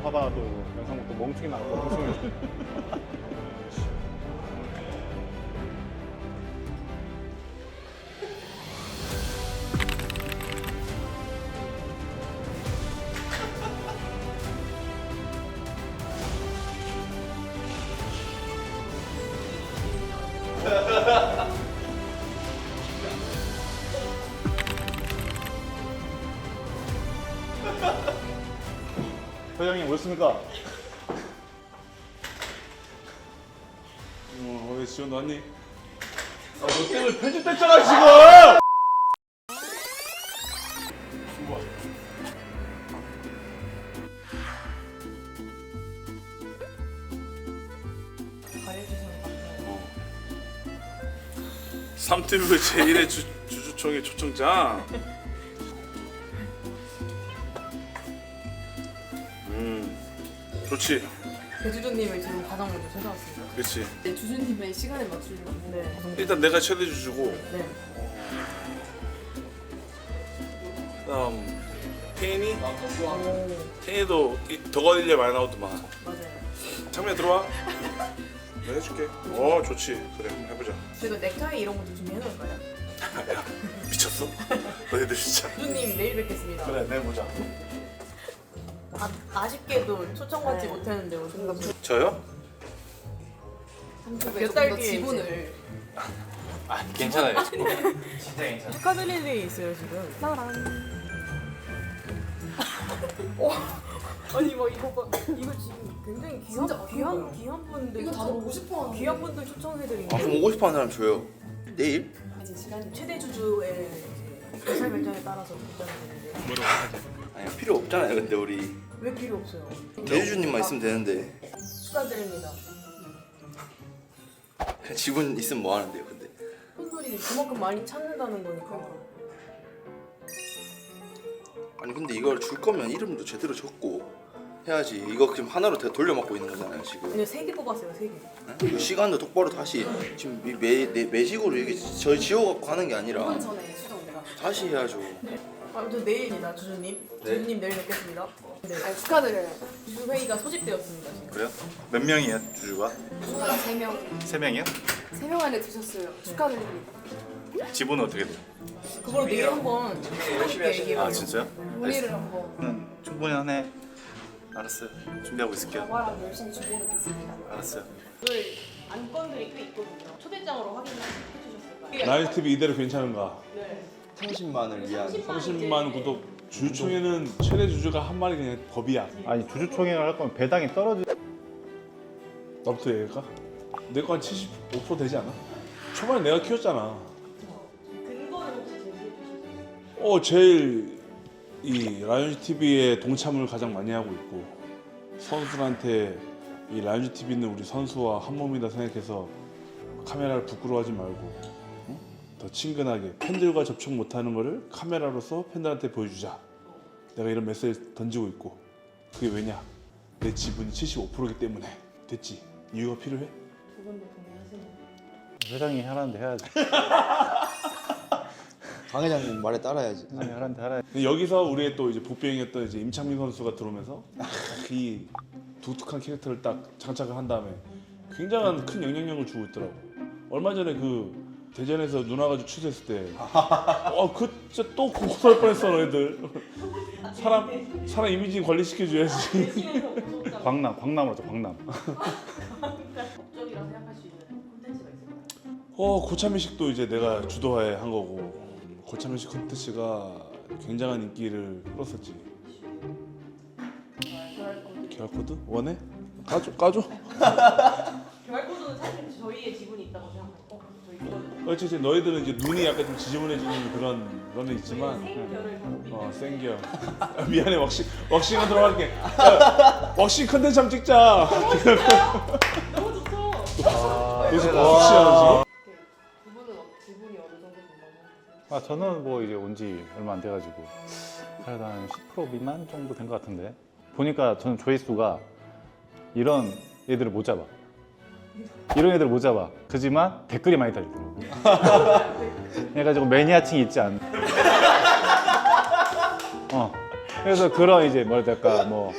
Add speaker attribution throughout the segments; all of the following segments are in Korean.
Speaker 1: 하다가 또 영상 또 멍청이 나가고 멍청이. 회장님 오셨습니까? 왜 지원도 왔니? 너 때문에 편집됐잖아 지금! 좋아. 삼티브 제1의 주주총회 초청장. 좋지.
Speaker 2: 배주주님을 지금 가장 먼저 찾아왔습니다.
Speaker 1: 그렇지.
Speaker 3: 네, 주주님의 시간에 맞추려고.
Speaker 2: 네.
Speaker 1: 일단 내가 최대 주주고.
Speaker 2: 네.
Speaker 1: 그다음 태인이.
Speaker 2: 오,
Speaker 1: 태인이도 덕어일려 많이 나오더만.
Speaker 2: 맞아요.
Speaker 1: 창민아 들어와. 내가 해줄게. 좋지. 그래 한번 해보자.
Speaker 2: 저희가 넥타이 이런 것도 준비해놓을까요?
Speaker 1: 야 미쳤어? 너희들 진짜.
Speaker 2: 배주주님 내일 뵙겠습니다.
Speaker 1: 그래 내보자.
Speaker 2: 아쉽게도 초청받지 못했는데 오늘
Speaker 1: 저요?
Speaker 2: 몇 달
Speaker 3: 더
Speaker 2: 뒤에
Speaker 3: 지분을.
Speaker 4: 아 괜찮아요. 진짜 괜찮아.
Speaker 2: 축하드릴 일이 있어요 지금. 아니 뭐 이거 봐 이거 지금 굉장히
Speaker 3: 진짜
Speaker 2: 귀한 분들
Speaker 3: 이거 다들 보고 싶어 하는.
Speaker 2: 귀한 분들 초청해드린
Speaker 5: 아, 그럼 오고 싶어하는 사람 줘요. 내일?
Speaker 3: 이제 시간이.
Speaker 2: 최대 주주의 의사 결정에 따라서 결정이 되는데
Speaker 5: 아니 필요 없잖아요. 근데 우리
Speaker 2: 왜 필요 없어요?
Speaker 5: 대주주님만 있으면 되는데
Speaker 2: 축하드립니다.
Speaker 5: 그냥 지분 있으면 뭐 하는데요? 근데
Speaker 2: 팬들이 그만큼 많이 찾는다는 거니까.
Speaker 5: 아니 근데 이걸 줄 거면 이름도 제대로 적고 해야지. 이거 지금 하나로 다 돌려막고 있는 거잖아요 지금.
Speaker 2: 근데 3개 뽑았어요 3개.
Speaker 5: 응? 이거 시간도 똑바로 다시 지금 매식으로 이게 저희 지워갖고 하는 게 아니라
Speaker 3: 한 전에 수정 내가.
Speaker 5: 다시 해야죠.
Speaker 2: 아무튼 내일이다 주주님. 주주님 내일 뵙겠습니다. 네.
Speaker 3: 아, 축하드려요.
Speaker 2: 주주 회의가 소집되었습니다 지금.
Speaker 1: 그래요? 몇 명이야 주주가?
Speaker 3: 주주가 3명.
Speaker 1: 3명이요?
Speaker 3: 3명 안에 드셨어요. 축하드립니다.
Speaker 1: 지분은 어떻게 돼요?
Speaker 2: 그걸 내일 한번 얘기해봐요.
Speaker 1: 아 진짜요?
Speaker 3: 문의를 한번.
Speaker 1: 충분히 하네. 알았어요. 준비하고 있을게요.
Speaker 3: 영화랑 열심히 준비해 놓겠습니다.
Speaker 1: 알았어요.
Speaker 2: 오늘 안건들이 꽤 있거든요. 초대장으로 확인해 주셨을까요?
Speaker 6: 라이즈 TV 이대로 괜찮은가?
Speaker 2: 네.
Speaker 5: 30만을 위한
Speaker 6: 30만 구독. 주주총회는 최대 주주가 한 마리 그냥 법이야.
Speaker 1: 아니 주주총회를 할 거면 배당이 떨어지.
Speaker 6: 나부터 얘기할까? 내 거 한 75% 되지 않아? 초반에 내가 키웠잖아.
Speaker 2: 근거를 혹시 제시해 주실까요?
Speaker 6: 제일 이 라이온즈 TV에 동참을 가장 많이 하고 있고 선수들한테 이 라이온즈 TV는 우리 선수와 한 몸이다 생각해서 카메라를 부끄러워하지 말고 응? 더 친근하게 팬들과 접촉 못하는 거를 카메라로서 팬들한테 보여주자. 내가 이런 메시지를 던지고 있고 그게 왜냐? 내 지분이 75%이기 때문에. 됐지? 이유가 필요해?
Speaker 2: 두 분도 동의하시나요?
Speaker 1: 회장이 하라는데 해야지.
Speaker 5: 강 회장님 말에 따라야지.
Speaker 1: 회장이 하라는데 하라.
Speaker 6: 근데 여기서 우리의 또 이제 복병이었던 이제 임창민 선수가 들어오면서 이 독특한 캐릭터를 딱 장착을 한 다음에 굉장한 큰 영향력을 주고 있더라고. 얼마 전에 그 대전에서 누나 가지고 취재했을 때, 그 진짜 또 고소할 뻔했어 너희들. 사람 이미지 관리시켜줘야지.
Speaker 1: 광남으로 하자 광남.
Speaker 2: 업적이라 생각할 수 있는 콘텐츠가 있을까요?
Speaker 6: 고참의식도 이제 내가 주도해 한 거고 고참의식 콘텐츠가 굉장한 인기를 끌었었지. QR 코드 원해? 까줘.
Speaker 2: QR 코드는 사실 저희의 지분이 있다고 생각해요. 저희 이거는
Speaker 6: 어쨌든 너희들은 이제 눈이 약간 좀 지저분해지는 그런 거는 있지만
Speaker 2: 생결을
Speaker 6: 생겨. 미안해 왁싱은 들어갈게. 야, 왁싱 컨텐츠 한번 찍자.
Speaker 2: 너무 좋죠.
Speaker 6: 요새 왁싱하는
Speaker 2: 두 분은 지분이 어느 정도 된다고 생각하세요?
Speaker 1: 아 저는 뭐 이제 온 지 얼마 안 돼가지고 그래도 한 10% 미만 정도 된 것 같은데 보니까 저는 조회수가 이런 애들을 못 잡아. 이런 애들 못 잡아. 그지만 댓글이 많이 달리더라고. 그래가지고 매니아층이 있지 않나. 그래서 그런 이제 뭐랄까 뭐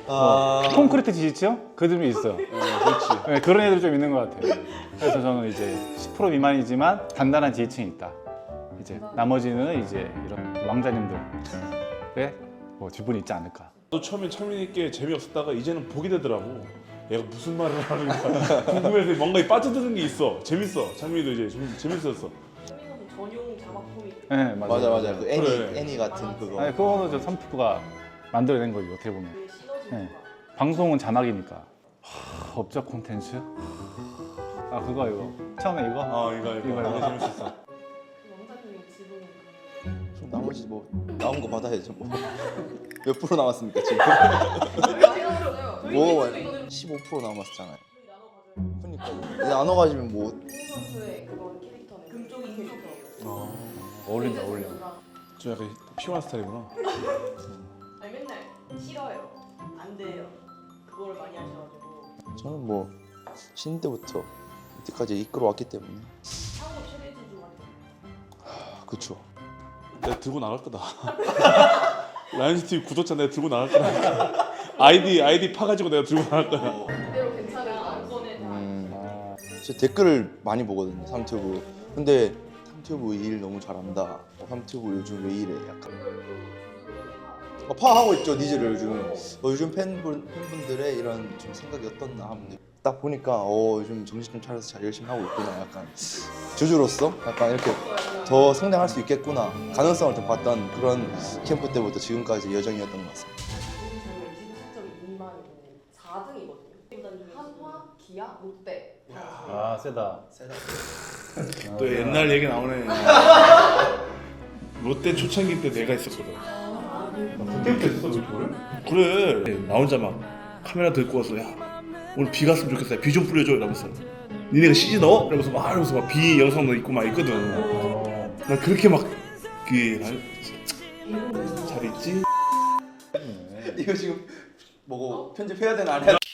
Speaker 1: 콘크리트 지지층 그들이 있어요.
Speaker 6: 그렇지.
Speaker 1: 네, 그런 애들 좀 있는 것 같아요. 그래서 저는 이제 10% 미만이지만 단단한 지지층이 있다. 이제 나머지는 이제 이런 왕자님들의 뭐 지분이 있지 않을까.
Speaker 6: 또 처음엔 철민이께 재미없었다가 이제는 보게 되더라고. 얘가 무슨 말을 하는가 궁금해서 뭔가 빠져드는 게 있어. 재밌어. 창민이도 이제 좀 재밌었어.
Speaker 2: 소민호는 전용 자막 포인트.
Speaker 1: 네, 맞아요.
Speaker 5: 맞아 그 애니
Speaker 6: 그래.
Speaker 5: 애니 같은 그거.
Speaker 1: 아니, 그거는 저 선피프가 만들어낸 거죠 어떻게 보면.
Speaker 2: 그 시너지가.
Speaker 1: 네. 방송은 자막이니까. 업적 콘텐츠? 아 그거 이거 처음에 이거?
Speaker 6: 이거 너무 재밌었어.
Speaker 2: 왕자님의 지분은
Speaker 5: 그럼 나머지 뭐 나온 거 받아야죠 뭐. 몇 프로 남았습니까 지금?
Speaker 2: 저희
Speaker 5: 뭐
Speaker 2: 이거는
Speaker 5: 15% 남았잖아요.
Speaker 2: 저희 나눠 가져요.
Speaker 5: 그러니까 나눠 가지면 뭐
Speaker 3: 이 선수의 그건 캐릭터는
Speaker 2: 금쪽이 캐릭터.
Speaker 1: 어울린다 어울려.
Speaker 6: 좀 약간 피곤한 스타일이구나.
Speaker 2: 아니 맨날 싫어요. 안 돼요. 그거를 많이 하셔가지고
Speaker 5: 저는 뭐 신인 때부터 이때까지 이끌어왔기 때문에
Speaker 2: 한국 최대 지주 같은.
Speaker 5: 그쵸.
Speaker 6: 내가 들고 나갈 거다. 라이언즈 TV 구독자 내가 들고 나갈 거다. 아이디 파가지고 내가 들고 나갈 거야.
Speaker 3: 그대로 괜찮을까?
Speaker 2: 안건에 다.
Speaker 5: 제 댓글을 많이 보거든요 삼튜브. 근데 삼튜브 일 너무 잘한다. 삼튜브 요즘 왜 이래 약간 파악하고 있죠 니즈를 요즘. 요즘 팬분들의 이런 좀 생각이 어떻나 하면 딱 보니까 요즘 정신 좀 차려서 잘 열심히 하고 있구나. 약간 주주로서 약간 이렇게 더 성장할 수 있겠구나 가능성을 좀 봤던 그런 캠프 때부터 지금까지 여정이었던 것 같습니다.
Speaker 2: 저희가 27.2만이고 4등이거든요.
Speaker 3: 한화, 기아, 롯데.
Speaker 1: 아 세다.
Speaker 6: 또 옛날 얘기 나오네. 롯데 초창기 때 내가 있었거든.
Speaker 1: 그때부터 했어 그걸?
Speaker 6: 그래. 나 혼자 막 카메라 들고 와서 야 오늘 비 갔으면 좋겠어. 비 좀 뿌려줘 이러면서. 니네가 CG 넣어? 이러면서 막 이러면서 막 비 영상도 있고 막 있거든. 나 그렇게 막 잘 있지?
Speaker 5: 이거 지금 뭐고 편집해야 되나 안 해야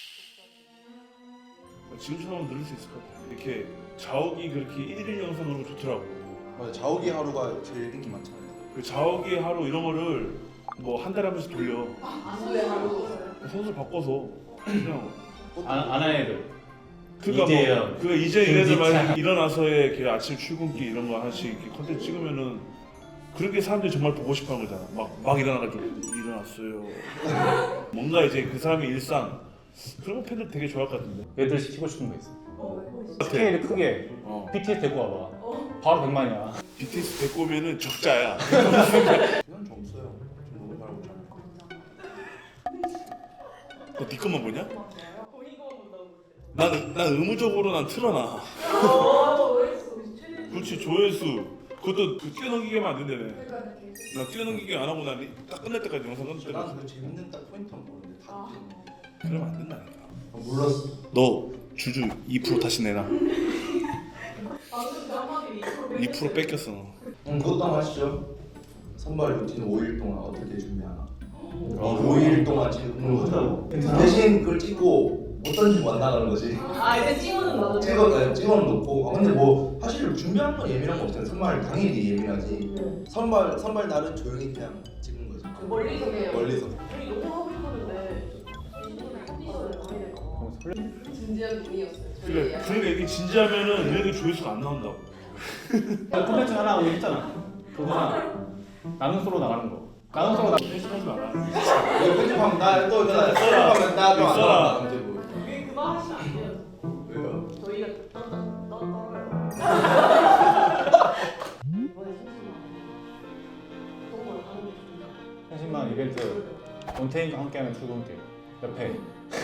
Speaker 6: 지금처럼 늘릴 수 있을 것 같아. 이렇게 자욱이 그렇게 1일 영상으로 좋더라고.
Speaker 5: 맞아 자욱이 하루가 제일 인기 많잖아요.
Speaker 6: 그 자욱이 하루 이런 거를 뭐 한 달에 한 번씩 돌려.
Speaker 3: 안수의 하루.
Speaker 6: 선수 바꿔서 그냥
Speaker 1: 안 하는 애들.
Speaker 6: 그니까
Speaker 1: 이재현,
Speaker 6: 뭐 그 이제 이래서
Speaker 1: 김지찬.
Speaker 6: 말 일어나서의 그 아침 출근길 이런 거 하나씩 이렇게 컨텐츠 찍으면은 그런 게 사람들이 정말 보고 싶어하는 거잖아. 막 일어나가지고 일어났어요. 뭔가 이제 그 사람의 일상 그런 거 팬들 되게 좋아할 것 같은데.
Speaker 1: 애들 시키고 싶은 거 있어. 스케일 크게 BTS 데리고 와봐. 바로 100만이야.
Speaker 6: BTS 데리고 오면은 적자야.
Speaker 5: 이건 점수요. 좀 너무 잘하고 있잖아.
Speaker 6: 너 네 것만 보냐?
Speaker 2: 거의 이거만 본다고.
Speaker 6: 난 의무적으로 난 틀어놔. 그렇지 조회수. 그것도 뛰어넘기게만 안 된다며. 나 뛰어넘기게 안 하고 난 딱 끝날 때까지 영상 끝날 때까지.
Speaker 5: 난그 재밌는 딱 포인트만 보는데 다 뜨네.
Speaker 6: 그러면 안 된다니까.
Speaker 5: 몰랐어.
Speaker 6: 너 주주 2% 다시 내놔. 2% 뺏겼어 너.
Speaker 5: 그것도 한번 하시죠. 선발 루틴 5일 동안 어떻게 준비하나. 5일 동안 찍는 거죠. 대신 그걸 찍고 못 던지고 안 나가는 거지.
Speaker 2: 아 이제 찍어는 나도.
Speaker 5: 찍어는 놓고. 근데 뭐 사실 준비하는 건 예민한 거 없잖아요. 선발 당일이 예민하지. 선발 날은 조용히 그냥 찍는 거지.
Speaker 2: 멀리서 그냥.
Speaker 5: 멀리서.
Speaker 2: 우리 너무 하고 싶었는데 컨디션을 많이 될까 봐.
Speaker 3: 진지한 분이었어요.
Speaker 6: 그래 그러니까 이게 진지하면은 이렇게 조회수가 안 나온다고.
Speaker 1: 콘텐츠 하나 우리 했잖아. 그거 하나. 나는 솔로 나가는 거. 나는 솔로
Speaker 6: 하지 마라.
Speaker 5: 이거 편집하면 나또 편집하면 나또
Speaker 6: 써라.
Speaker 2: 그게 그만 하시면 안 돼요.
Speaker 5: 왜요?
Speaker 2: 저희가 떨어요. 이번에 너무 하는 게 좋다.
Speaker 1: 30만 이벤트. 온테인과 함께하는 출근길. 옆에.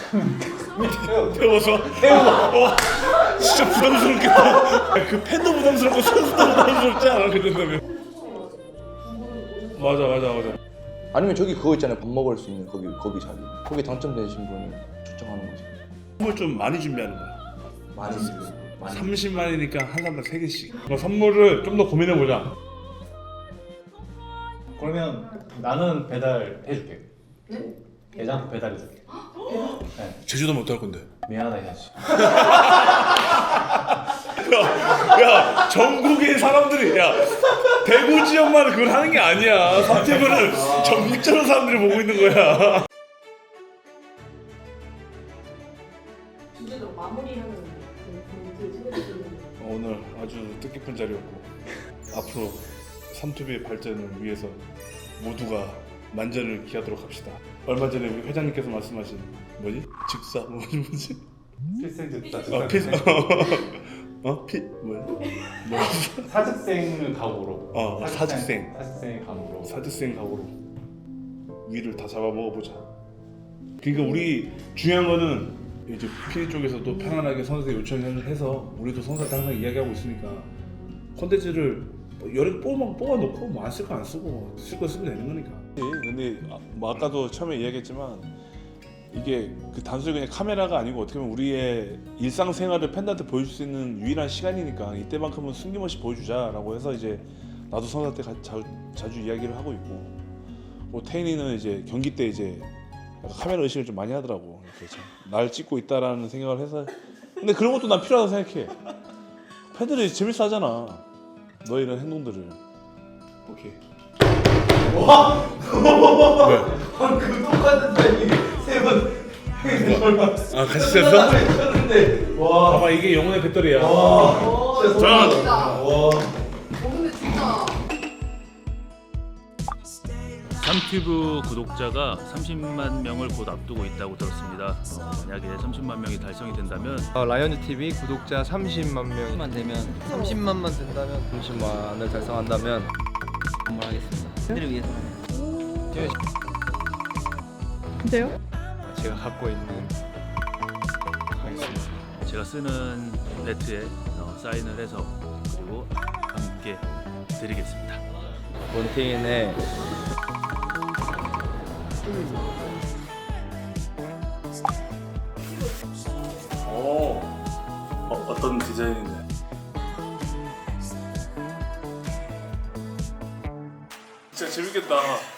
Speaker 6: 태워서 진짜 부담스럽겠다. 그 팬도 부담스럽고 선수도 부담스럽지 않아 그 정도면. 맞아.
Speaker 5: 아니면 저기 그거 있잖아요. 밥 먹을 수 있는 거기 자리. 거기 당첨되신 분을 초청하는 거지.
Speaker 6: 선물 좀 많이 준비하는 거야.
Speaker 5: 많이 쓰고.
Speaker 6: 30만이니까 한 사람당 3개씩. 선물을 좀 더 고민해 보자.
Speaker 1: 그러면 나는 배달 해줄게. 대장 배달해줄게. 네.
Speaker 6: 제주도 못 할 건데.
Speaker 1: 미안하다 해야지.
Speaker 6: 야 전국의 사람들이 야 대구 지역만 그걸 하는 게 아니야. 삼태구는 전국적으로 사람들이 보고 있는 거야. 뜻깊은 자리였고 앞으로 삼투비의 발전을 위해서 모두가 만전을 기하도록 합시다. 얼마 전에 우리 회장님께서 말씀하신 뭐지? 즉사 뭐지?
Speaker 1: 필생즉사.
Speaker 6: 뭐야?
Speaker 1: 사직생을 각오로.
Speaker 6: 사직생.
Speaker 1: 사직생의 각오로.
Speaker 6: 사직생 각오로 위를 다 잡아 먹어보자. 그러니까 우리 중요한 거는 이제 PD 쪽에서도 편안하게 선수에 요청을 해서 우리도 선수한테 항상 이야기하고 있으니까 콘텐츠를 여러 개 뽑아놓고 뭐 안 쓸 거 안 쓰고 쓸 거 쓰면 되는 거니까. 근데 뭐 아까도 처음에 이야기했지만 이게 그 단순히 그냥 카메라가 아니고 어떻게 보면 우리의 일상생활을 팬들한테 보여줄 수 있는 유일한 시간이니까 이때만큼은 숨김없이 보여주자라고 해서 이제 나도 선수한테 자주 이야기를 하고 있고 뭐 태인이는 이제 경기 때 이제 약간 카메라 의식을 좀 많이 하더라고. 그래서 날 찍고 있다라는 생각을 해서 근데 그런 것도 난 필요하다고 생각해. 팬들이 재밌어 하잖아 너의 이런 행동들을. 오케이.
Speaker 5: 그 똑같은
Speaker 6: 아 같이 쐈어? 봐봐 이게 영혼의 배터리야.
Speaker 3: 진짜. 근데 진짜.
Speaker 7: 삼튜브 구독자가 30만 명을 곧 앞두고 있다고 들었습니다. 만약에 30만 명이 달성이 된다면
Speaker 8: 라이언즈 TV 구독자 30만 명만 되면 30만만 된다면 30만을 달성한다면 선물하겠습니다. 팬들을 위해서.
Speaker 2: 근데요?
Speaker 8: 제가 갖고 있는 하겠습니다.
Speaker 7: 제가 쓰는 배트에 사인을 해서 그리고 함께 드리겠습니다.
Speaker 8: 몬테인의
Speaker 6: 어떤 디자인인데? 진짜 재밌겠다.